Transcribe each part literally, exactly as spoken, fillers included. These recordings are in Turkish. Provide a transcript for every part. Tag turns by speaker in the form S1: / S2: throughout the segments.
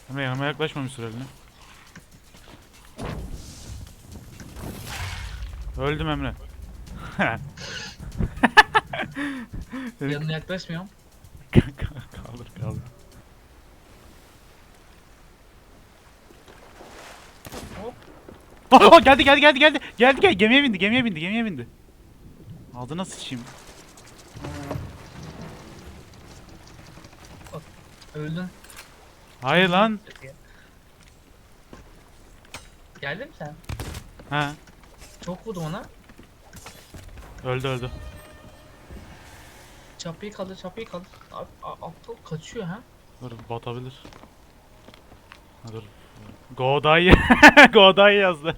S1: Emre yanıma yaklaşmamış süreliğine. Öldüm Emre.
S2: Yanına yaklaşmıyorum.
S1: Kaldır kaldır.
S2: Hop.
S1: Oh, oh, geldi geldi geldi geldi. Geldi gel gemiye bindi gemiye bindi gemiye bindi. Ağzına sıçayım.
S2: Öldün.
S1: Hayır lan.
S2: Geldin mi sen?
S1: Ha.
S2: Çok vurdum ona.
S1: Öldü öldü.
S2: Çapıyı kaldır, çapıyı kaldır. Abi, a- aptal kaçıyor ha.
S1: Dur batabilir. Ha, dur. Godai. Godai yazdı.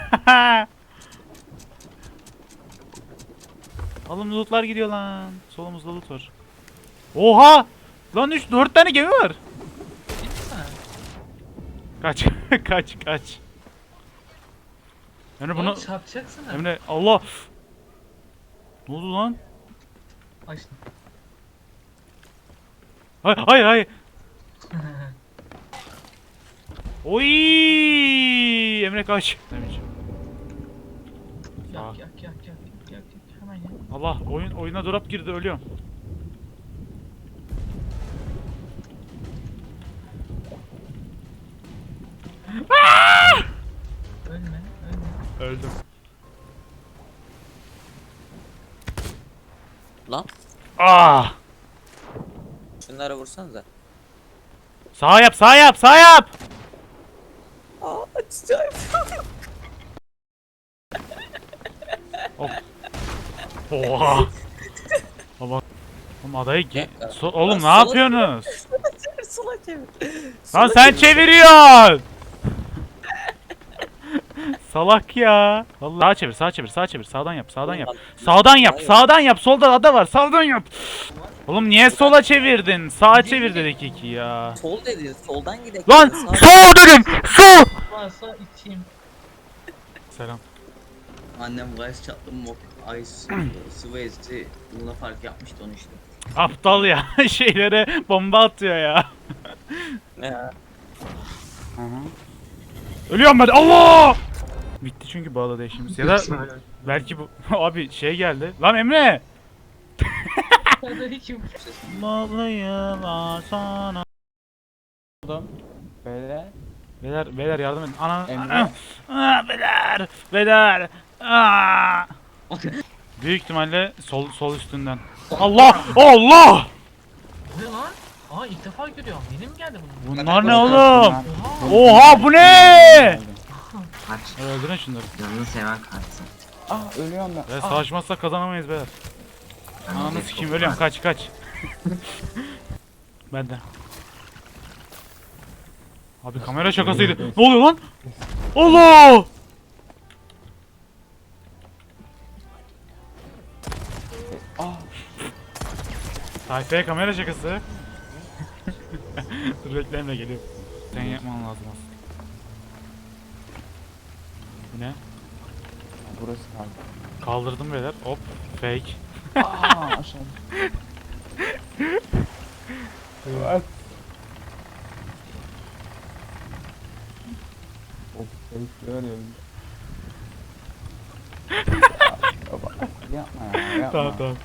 S1: Oğlum lootlar gidiyor lan. Solumuzda loot var. Oha! Lan üç dört tane gemi var.
S2: Git sen.
S1: Kaç kaç kaç. Emre bunu
S2: Bunu çarpacaksın ha.
S1: Emre Allah. Ne oldu lan?
S2: Ay şimdi.
S1: Hayır hayır hayır. Oy! Emre kaç. Demeyeceğim.
S2: yak, yak yak yak yak yak yak hemen yak.
S1: Allah oyun oyuna drop girdi ölüyorum.
S2: Ölme, ölme.
S1: Öldüm.
S3: Lan
S1: Ah!
S3: şunlara vursanıza.
S1: Sağ yap, sağ yap, sağ yap.
S3: Aa açacağım.
S1: Of. Oha. Baba. Oğlum adayı ki. So oğlum ne yapıyorsunuz?
S3: Sola çevir.
S1: Lan sen çeviriyorsun. Salak ya. Vallahi sağa çevir, sağa çevir, sağa çevir. Sağdan yap, sağdan yap. Sağdan yap, sağdan yap. Solda ada var. Sağdan yap. Oğlum niye sola çevirdin? Sağa çevir dedik iki ya.
S3: Sol dedin, soldan gidelim.
S1: Lan sol dedim. Sol.
S2: Varsa içeyim.
S1: Selam.
S3: Annem gayet çatlı mı? Ice Suez'i Luna Park yapmıştı onu işte.
S1: Aptal ya. Şeylere bomba atıyor ya.
S3: Ya.
S1: Ölüyorum ben. Allah! Bitti çünkü bu arada işimiz. Ya da belki bu abi şey geldi. Lan Emre.
S2: Hadi içeyim.
S1: Bağlıyım sana.
S4: Böyle
S1: Beyler beyler yardım edin. Ana.
S4: Emre.
S1: Ana. Aa, beyler. Beyler. Aa. Büyük ihtimalle sol sol üstünden. Allah! Allah!
S2: Ne lan? Aa ilk defa görüyorum. Yeni mi geldi bunun?
S1: Bunlar ne oğlum?
S2: Oha.
S1: Oha bu ne?
S4: kaç
S1: Öldürün şunları.
S5: Canını seven kaçsın.
S4: ah ölüyorum ben.
S1: Ve savaşmazsak kazanamayız beyler. Ananı sikeyim ölüyorum kaç kaç. Ben de. Abi kamera şakasıydı. Ne oluyor lan? Allah!
S4: Ah
S1: Tayfaya kamera şakası. Dur bekle Emre geliyor. Sen yapman lazım aslında. Bu ne?
S4: burası kaldı.
S1: Kaldırdım beyler. Hop. Fake.
S4: Aa aşağı. Evet. Of bekliyor ya. Baba yapma ya yapma.
S1: Tamam tamam.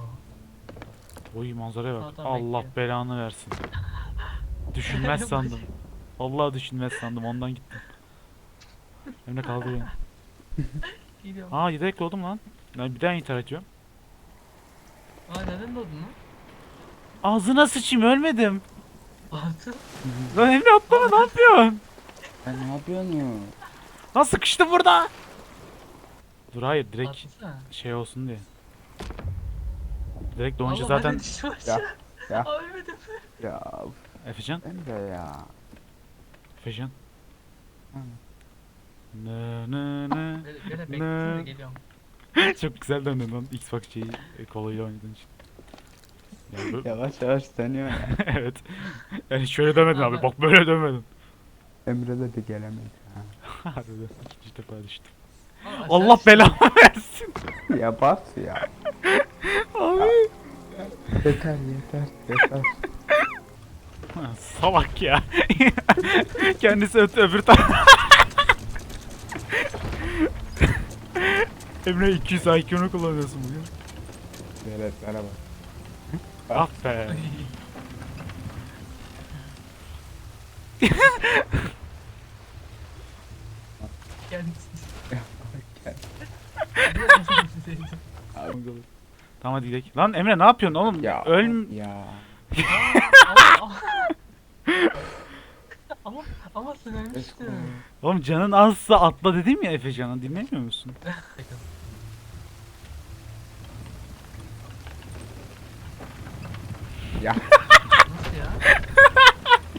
S1: Oy manzaraya bak.
S2: Sağdan
S1: Allah
S2: bekliyor.
S1: belanı versin. Düşünmez sandım. Vallahi düşünmez sandım ondan gittim. Emre kaldı beni.
S2: Geliyorum.
S1: Aa yedek oldum lan. Ben bir daha intihar ediyorum.
S2: Aa neden doğdun lan?
S1: Ağzına sıçayım ölmedim.
S2: Artı.
S1: Lan Emre atlama ne yapıyorsun?
S4: Ben ne yapıyorsun ya?
S1: Lan sıkıştım burada. Dur hayır direkt
S2: Atlasana.
S1: şey olsun diye. Direkt doğunca
S2: Allah,
S1: zaten
S2: ben de düştüm
S4: Ya
S2: aşağı.
S4: ya
S2: Aa ölmedim.
S4: ya
S1: Efecan.
S4: Emre ya.
S1: Efecan.
S4: Hı.
S1: Ne ne ne.
S2: Böyle, böyle
S1: Ne?
S2: beklesin de geliyorum.
S1: Çok güzel döndün lan Xbox şeyi e, kolayla oynadığın için. Yani bu-
S4: Yavaş yavaş dönüyor ya.
S1: evet. Yani şöyle dönmedin abi.
S2: Abi.
S1: Bak böyle dönmedin.
S4: Emre de gelemedi. Ha.
S1: Harbiden ikinci defa düştüm.
S2: Aa, aşağı
S1: Allah
S2: düştüm.
S1: belamı versin.
S4: Ya bas ya.
S1: Abi.
S4: Yeter yeter yeter.
S1: Ha, Salak ya. Kendisi öte öbür taraf. Emre iki yüz I Q'nu kullanıyorsun bugün.
S4: Veletlere bak.
S1: Aferin.
S2: Kendisi.
S1: Tamam hadi gidelim. Lan Emre ne yapıyorsun oğlum?
S4: Ya.
S1: Ölm...
S4: Ya.
S2: ama, ama, ama sen ölmüştün.
S1: Oğlum canın azsa atla dedim ya Efecan'a, dinlemiyor musun?
S4: Ya.